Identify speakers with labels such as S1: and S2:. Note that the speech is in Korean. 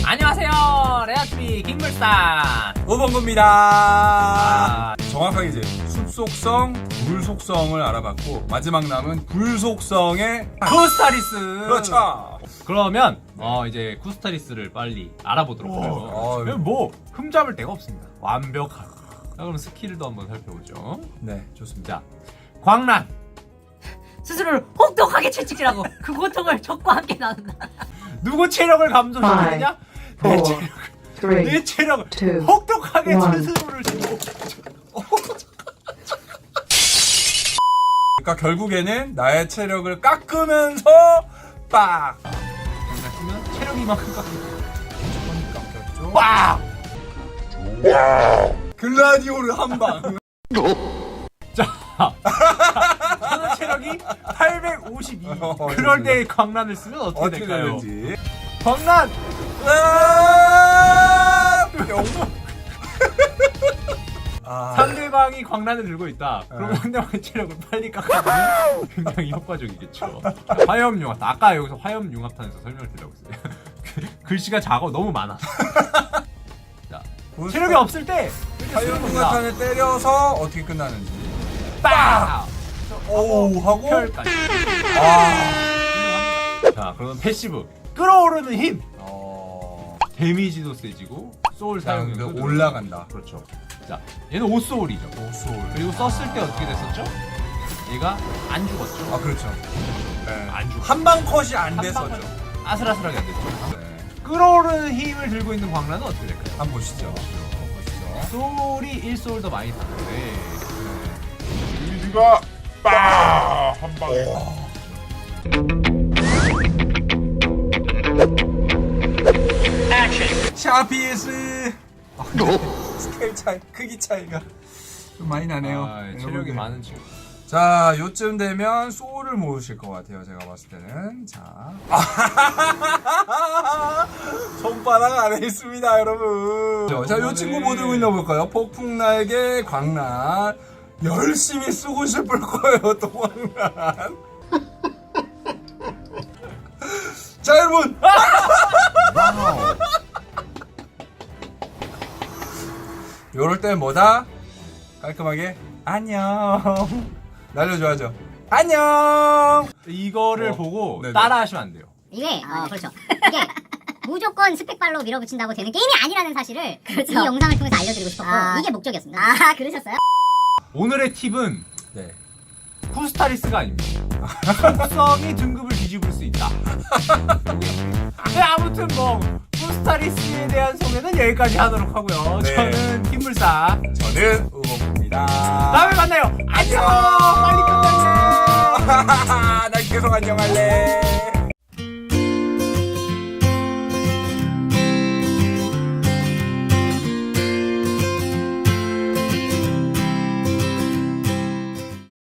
S1: 안녕하세요, 레아TV 김물산
S2: 오범구입니다. 정확하게 이제 숲 속성, 물 속성을 알아봤고 마지막 남은 불 속성의
S1: 쿠스타리스.
S2: 그렇죠.
S1: 그러면 이제 쿠스타리스를 빨리 알아보도록 하죠. 뭐 흠잡을 데가 없습니다. 완벽하고. 자, 그럼 스킬도 한번 살펴보죠.
S2: 네, 좋습니다.
S1: 자, 광란.
S3: 스스로를 혹독하게 채찍질하고 그 고통을 적과 함께 나눈다.
S1: 누구 체력을 감소시키느냐? 내
S4: four,
S1: 체력을.
S4: three,
S1: 내 체력을
S4: two,
S1: 혹독하게
S4: one.
S1: 스스로를 주고.
S2: 그러니까 결국에는 나의 체력을 깎으면서 빡!
S1: 광란 체력이 이만큼 깎이고.
S2: 깎였죠.
S1: 빡!
S2: 글라디오를 한 방.
S1: 자, 저는 체력이 852. 그럴 때 광란을 쓰면 어떻게
S2: 어떻게
S1: 될까요?
S2: 되는지.
S1: 광란! 상대방이 광란을 들고 있다. 그럼 상대방의 체력을 빨리 깎아주면 굉장히 효과적이겠죠. 화염융합탄. 아까 여기서 화염융합탄에서 설명을 드리려고 했어요. 글씨가 작아 너무 많아. 자, 체력이 없을 때
S2: 화염융합탄을 때려서 어떻게 끝나는지.
S1: 빵!
S2: 오우 하고
S1: 혈까지.
S2: 아.
S1: 자, 그러면 패시브. 끌어오르는 힘. 데미지도 세지고 소울 사용력도
S2: 그 올라간다.
S1: 그렇죠. 자, 얘는 5소울이죠.
S2: 5소울.
S1: 그리고 썼을 때 어떻게 됐었죠? 얘가 안 죽었죠.
S2: 아 그렇죠. 네.
S1: 안 죽어.
S2: 한방 컷이 안 됐었죠.
S1: 아슬아슬하게 안 됐죠.
S2: 네.
S1: 끌어오르는 힘을 들고 있는 광란은 어떻게 될까요?
S2: 한번 보시죠. 보시죠.
S1: 소울이 1소울 더 많이 타는데
S5: 데미지가 빡한 방에
S2: 샤피스. 스케일 차이, 크기 차이가 좀 많이 나네요.
S1: 체력이
S2: 여러분들.
S1: 많은 친구.
S2: 자, 요쯤 되면 소울을 모으실 것 같아요. 제가 봤을 때는. 자. 손바닥 안에 있습니다, 여러분. 자, 요 친구 뭐 들고 있나 볼까요? 폭풍날개, 광란. 열심히 쓰고 싶을 거예요, 또 광란. 자, 여러분. 요럴 땐 뭐다? 깔끔하게 안녕 날려줘야죠. 안녕.
S1: 이거를 보고
S2: 네네.
S1: 따라하시면 안 돼요.
S6: 이게 그렇죠. 이게 무조건 스펙발로 밀어붙인다고 되는 게임이 아니라는 사실을 이 영상을 통해서 알려드리고 싶었고 이게 목적이었습니다. 아 그러셨어요?
S1: 오늘의 팁은
S2: 네.
S1: 쿠스타리스가 아닙니다. 속성이 등급을 뒤집을 수 있다. 네, 아무튼 뭐 쿠스타리스에 대한 소개는 여기까지 하도록 하고요.
S2: 네.
S1: 저는 김물사.
S2: 저는 우범입니다.
S1: 다음에 만나요. 안녕. 빨리 끝내세요.
S2: 난 계속 안녕할래.